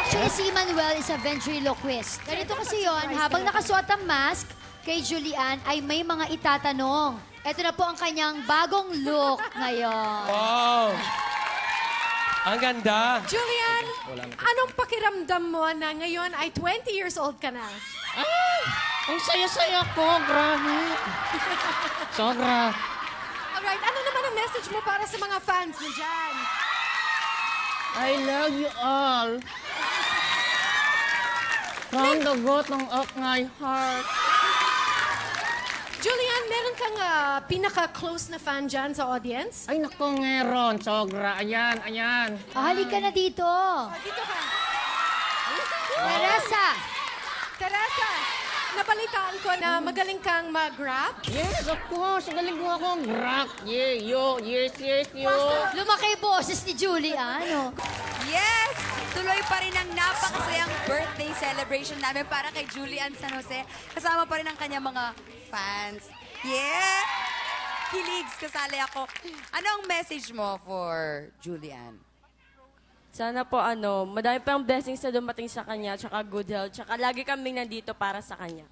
Actually, si Manuel is a ventriloquist. Ganito kasi yon, habang nakasuot ang mask, kay Julian ay may mga itatanong. Ito na po ang kanyang bagong look ngayon. Wow! Ang ganda. Julian, anong pakiramdam mo na ngayon ay 20 years old ka na? Ay! Ang saya-saya ko, grabe. Sobra. Alright, ano naman ang message mo para sa mga fans mo dyan? I love you all. From the bottom of my heart. Julian, meron kang pinaka-close na fan dyan sa audience? Ay, naku, meron. Sobra. Ayan, ayan. Halika na dito. Dito ka. Teresa. Teresa, nabalitaan ko na magaling kang mag-rap. Yes, of course. Galing mo akong rock. Yeah, yo. Yes, yes, yo. Lumaki boses ni Julian. Oh. Yes! Tuloy pa rin ang napakasayang birthday celebration namin para kay Julian San Jose. Kasama pa rin ang kanyang mga fans. Yeah! Kiligs, kasali ako. Ano ang message mo for Julian? Sana po madami pang blessings na dumating sa kanya, tsaka good health, tsaka lagi kaming nandito para sa kanya.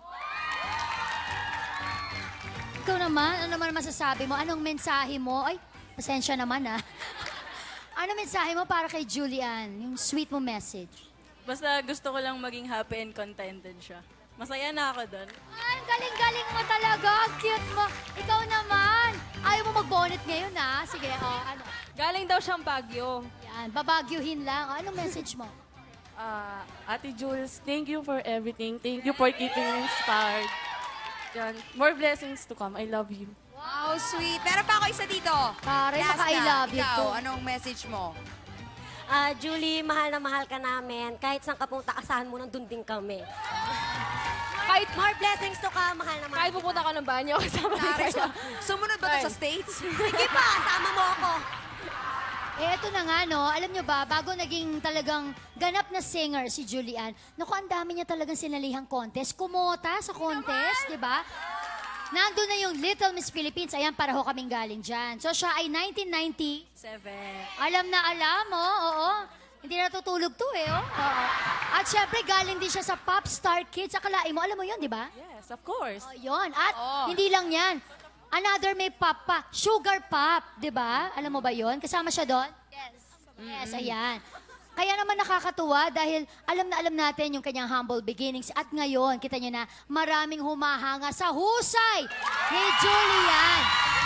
Ikaw naman, ano naman masasabi mo? Anong mensahe mo? Ay, pasensya naman Ano mensahe mo para kay Julian? Yung sweet mo message. Basta gusto ko lang maging happy and contented siya. Masaya na ako doon. Ay, galing-galing mo talaga. Ang cute mo. Ikaw naman. Ayaw mo mag-bonnet ngayon, Sige, ano? Galing daw siyang Baguio. Yan, babagyuhin lang. Anong message mo? Ate Jules, thank you for everything. Thank you for keeping me inspired. Yan. More blessings to come. I love you. Wow, sweet. Meron pa ako isa dito. Pare, Last maka-I na. love you Ikaw, to. anong message mo? Julie, mahal na mahal ka namin. Kahit saan ka punta, asahan mo, nandun din kami. Kahit, More blessings to ka, mahal na mahal kahit pupunta ka ng banyo, kasama rin Nare, kayo. sumunod ba ito sa States? Sige pa, sama mo ako. Eto na nga, no? Alam nyo ba, bago naging talagang ganap na singer si Julian, naku, ang dami niya talagang sinalihang contest. Kumota sa contest, di ba? Nandun na yung Little Miss Philippines. Ayan, para ho kaming galing dyan. So, siya ay 1990. 7. Alam na alam, oo. Hindi natutulog to, Oo. At syempre, galing din siya sa Popstar Kids. Akalain mo, alam mo yun, di ba? Yes, of course. Oh, yun. At hindi lang yan. Another may pop pa. Sugar Pop, di ba? Alam mo ba yun? Kasama siya doon? Yes. Yes, ayan. Kaya naman nakakatuwa dahil alam na alam natin yung kanyang humble beginnings. At ngayon, kita niyo na maraming humahanga sa husay ni Julian.